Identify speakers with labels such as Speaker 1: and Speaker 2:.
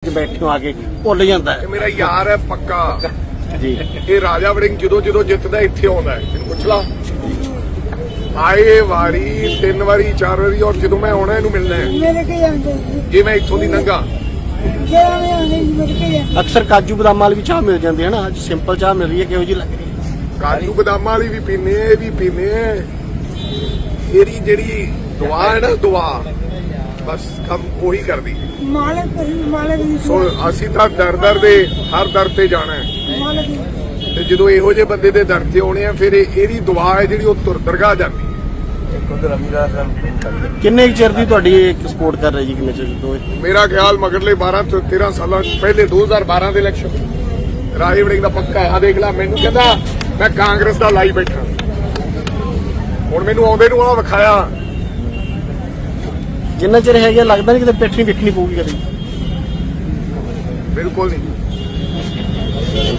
Speaker 1: ਕੇ ਬੈਠੇ ਹੋ ਆ ਕੇ ਭੁੱਲ ਜਾਂਦਾ ਹੈ।
Speaker 2: ਇਹ ਮੇਰਾ ਯਾਰ ਹੈ ਪੱਕਾ
Speaker 1: ਜੀ
Speaker 2: ਇਹ ਰਾਜਾ ਵੜਿੰਗ ਜਦੋਂ ਜਿੱਤਦਾ ਇੱਥੇ ਆਉਂਦਾ ਹੈ, ਤੈਨੂੰ ਪੁੱਛ ਲਾ। ਆਏ ਵਾਰੀ 3 ਵਾਰੀ 4 ਵਾਰੀ, ਔਰ ਜਦੋਂ ਮੈਂ ਆਉਣਾ ਇਹਨੂੰ ਮਿਲਣਾ ਹੈ
Speaker 3: ਮੇਰੇ ਕੇ ਜਾਂਦੇ
Speaker 2: ਜੇ ਮੈਂ ਇੱਥੋਂ ਦੀ ਲੰਘਾ।
Speaker 3: ਜਿਹੜਾ ਮੈਂ ਆਉਂਦੇ ਮੇਰੇ ਕੇ ਜਾਂਦੇ
Speaker 1: ਅਕਸਰ ਕਾਜੂ ਬਦਾਮ ਵਾਲੀ ਵੀ ਚਾਹ ਮਿਲ ਜਾਂਦੀ ਹੈ ਨਾ, ਅੱਜ ਸਿੰਪਲ ਚਾਹ ਮਿਲ ਰਹੀ ਹੈ, ਕਿਹੋ ਜਿਹੀ ਲੱਗ ਰਹੀ ਹੈ?
Speaker 2: ਕਾਜੂ ਬਦਾਮਾਂ ਵਾਲੀ ਵੀ ਪੀਨੇ, ਇਹ ਵੀ ਪੀਨੇ। ਇਹਦੀ ਜਿਹੜੀ ਦੁਆ ਹੈ ਨਾ, ਦੁਆ ਬਸ ਕੰਮ ਉਹੀ ਕਰਦੀ।
Speaker 3: ਮਾਲਕ ਦੀ
Speaker 2: ਸੋ ਅਸੀਂ ਤਾਂ ਦਰ ਦੇ ਹਰ ਦਰ ਤੇ ਜਾਣਾ ਹੈ,
Speaker 3: ਮਾਲਕ ਦੀ
Speaker 2: ਤੇ ਜਦੋਂ ਇਹੋ ਜਿਹੇ ਬੰਦੇ ਦੇ ਦਰ ਤੇ ਆਉਣੇ ਆ, ਫਿਰ ਇਹਦੀ ਦੁਆ ਹੈ ਜਿਹੜੀ ਉਹ ਦਰਗਾਹ ਜਾਂਦੀ ਹੈ।
Speaker 1: ਕਿੰਨੇ ਕੁ ਚਿਰ ਦੀ ਤੁਹਾਡੀ ਸਪੋਰਟ ਕਰ ਰਹੀ ਜੀ, ਕਿੰਨੇ ਚਿਰ ਤੋਂ ਇਹ?
Speaker 2: ਮੇਰਾ ਖਿਆਲ ਮਗਰਲੇ 12 ਤੋਂ 13 ਸਾਲਾਂ ਪਹਿਲੇ 2012 ਦੇ ਇਲੈਕਸ਼ਨ ਰਾਜਾ ਵੜਿੰਗ ਦਾ ਪੱਕਾ ਆ। ਦੇਖ ਲੈ, ਮੈਨੂੰ ਕਹਿੰਦਾ ਮੈਂ ਕਾਂਗਰਸ ਦਾ ਲਾਈ ਬੈਠਾ, ਹੁਣ ਮੈਨੂੰ ਆਉਂਦੇ ਨੂੰ ਆ ਵਿਖਾਇਆ।
Speaker 1: ਜਿੰਨਾ ਚਿਰ ਹੈਗਾ ਲੱਗਦਾ ਨਹੀਂ ਕਿਤੇ ਪਿੱਠ ਨਹੀਂ ਵੇਖਣੀ ਪਊਗੀ ਕਦੇ।
Speaker 2: ਬਿਲਕੁਲ ਨਹੀਂ।